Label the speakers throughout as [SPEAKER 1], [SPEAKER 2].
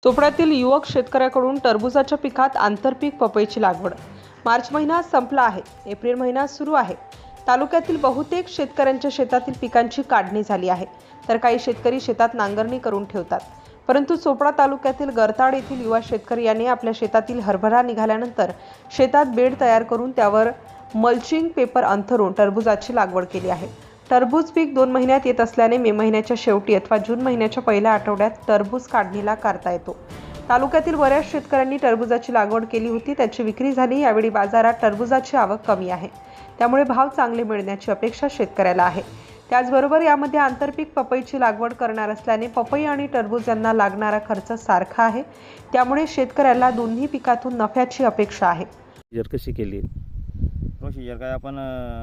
[SPEAKER 1] चोपड्यातील युवक शेतकऱ्याकडून टरबूजाच्या पिकात आंतरपीक पपईची लागवड। मार्च महिना संपला आहे, एप्रिल महिना सुरू आहे। तालुक्यातील बहुतेक शेतकऱ्यांच्या शेतातील पिकांची काढणी झाली आहे, तर काही शेतकरी शेतात नांगरणी करून ठेवतात। परंतु चोपडा तालुक्यातील गरताड येथील युवा शेतकरी यांनी आपल्या शेतातील हरभरा निघाल्यानंतर शेतात बेड तयार करून त्यावर मल्चिंग पेपर अंथरून टरबूजाची लागवड केली आहे। टरबूज पीक 2 महिन्यात येत असल्याने मे महिन्याच्या शेवटी अथवा जून महिन्याच्या पहिल्या आठवड्यात टरबूज काढणीला करता येतो। तालुक्यातील बऱ्याच शेतकऱ्यांनी टरबूजाची लागवड केली होती, त्याची विक्री झाली। यावेळी बाजारात टरबूजाची आवक कमी आहे, त्यामुळे भाव चांगले मिळण्याची अपेक्षा शेतकऱ्याला आहे। त्याचबरोबर यामध्ये आंतरपीक पपईची लागवड करणार असल्याने पपई आणि टरबूज यांना लागणारा खर्च सारखा आहे, त्यामुळे शेतकऱ्याला दोन्ही पिकातून नफ्याची अपेक्षा आहे।
[SPEAKER 2] कशी केली
[SPEAKER 3] प्रोसिजर काय आपण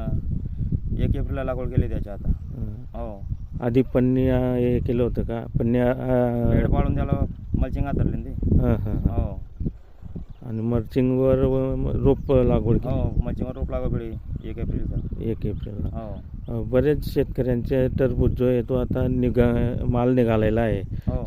[SPEAKER 3] 1 एप्रिलला लागवड केली त्याच्या आता। हो,
[SPEAKER 2] आधी पन्न्या हे केलं होतं का? पन्न्या
[SPEAKER 3] बेड पाडून त्याला मल्चिंग आतरली ते। हो,
[SPEAKER 2] आणि मल्चिंगवर रोप लागवड केली।
[SPEAKER 3] हो, मल्चिंगवर रोप लागवड केली 1 एप्रिलचा।
[SPEAKER 2] 1 एप्रिलला।
[SPEAKER 3] हो,
[SPEAKER 2] बरेच शेतकऱ्यांचे टरबूज जो आहे तो आता माल निघालेला आहे।
[SPEAKER 3] हो,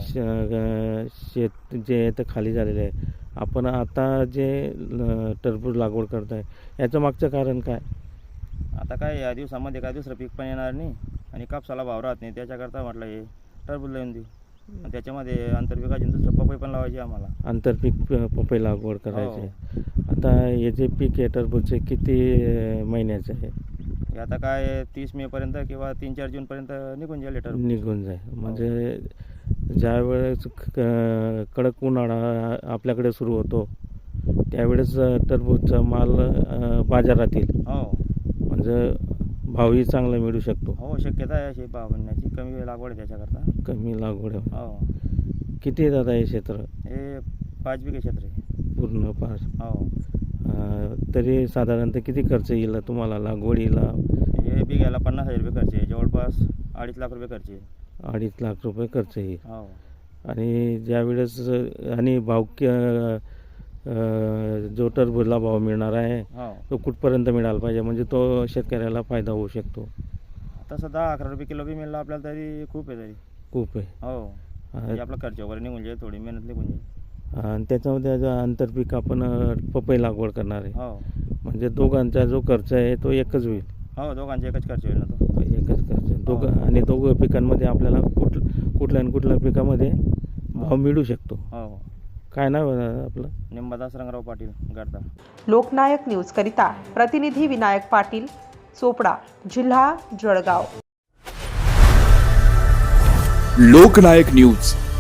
[SPEAKER 2] शेत जे आहे ते खाली झालेले आहे। आपण आता जे टरबूज लागवड करताय याचं मागचं कारण काय?
[SPEAKER 3] आता काय या दिवसामध्ये काय दुसरं पीक पण येणार नाही आणि कापसाला भाव राहत नाही, त्याच्याकरता म्हटलं हे टरबूज लावून देऊ। आणि त्याच्यामध्ये आंतरपिकाची दुसरं पपई पण लावायची आम्हाला।
[SPEAKER 2] आंतरपीक पपई लागवड करायची। आता हे जे पीक आहे टरबूजचे किती महिन्याचं आहे?
[SPEAKER 3] हे आता काय 30 मे पर्यंत किंवा 3-4 जून पर्यंत निघून जाईल टरबूज।
[SPEAKER 2] निघून जाईल। म्हणजे ज्या वेळेस कडक उन्हाळा आपल्याकडे सुरू होतो त्यावेळेस टरबूजचा माल बाजारात येईल।
[SPEAKER 3] हो,
[SPEAKER 2] म्हणजे भावही चांगला मिळू शकतो।
[SPEAKER 3] हो, शक्यता आहे अशी भाव मिळण्याची। कमी लागवड आहे त्याच्याकरता।
[SPEAKER 2] कमी लागवड आहे।
[SPEAKER 3] हो,
[SPEAKER 2] किती येतात हे क्षेत्र?
[SPEAKER 3] हे 5 बिघे क्षेत्र आहे
[SPEAKER 2] पूर्ण 5।
[SPEAKER 3] हो,
[SPEAKER 2] तरी साधारणतः किती खर्च येईल तुम्हाला लागवडीला?
[SPEAKER 3] हे बिघ्याला 50,000 रुपये खर्च आहे, जवळपास 2.5 लाख रुपये खर्च आहे।
[SPEAKER 2] 2.5 लाख रुपये खर्च येईल।
[SPEAKER 3] हो,
[SPEAKER 2] आणि ज्यावेळेस आणि भाव जो टरबूजला भाव मिळणार आहे
[SPEAKER 3] हो,
[SPEAKER 2] तो कुठपर्यंत मिळाला पाहिजे म्हणजे तो शेतकऱ्याला फायदा होऊ शकतो?
[SPEAKER 3] तसं 10-11 रुपये किलो बी मिळालं आपल्याला तरी खूप आहे तरी।
[SPEAKER 2] खूप आहे।
[SPEAKER 3] हो, म्हणजे आपला खर्च वगैरे निघून जाईल, थोडी मेहनत निघून जाईल।
[SPEAKER 2] आणि त्याच्यामध्ये जो आंतरपीक आपण पपई लागवड करणार आहे
[SPEAKER 3] हो,
[SPEAKER 2] म्हणजे दोघांचा जो खर्च आहे तो एकच होईल?
[SPEAKER 3] हो, दोघांचा एकच खर्च होईल ना तो।
[SPEAKER 2] एकच खर्च आणि दोघं पिकांमध्ये आपल्याला कुठल्या आणि कुठल्या पिकामध्ये भाव मिळू शकतो?
[SPEAKER 3] हो,
[SPEAKER 2] काय नाव आहे आपलं?
[SPEAKER 3] निंबादास रंगराव पाटील, गरताड।
[SPEAKER 1] लोकनायक न्यूज करिता प्रतिनिधी विनायक पाटील, चोपडा, जिल्हा जळगाव।
[SPEAKER 4] लोकनायक न्यूज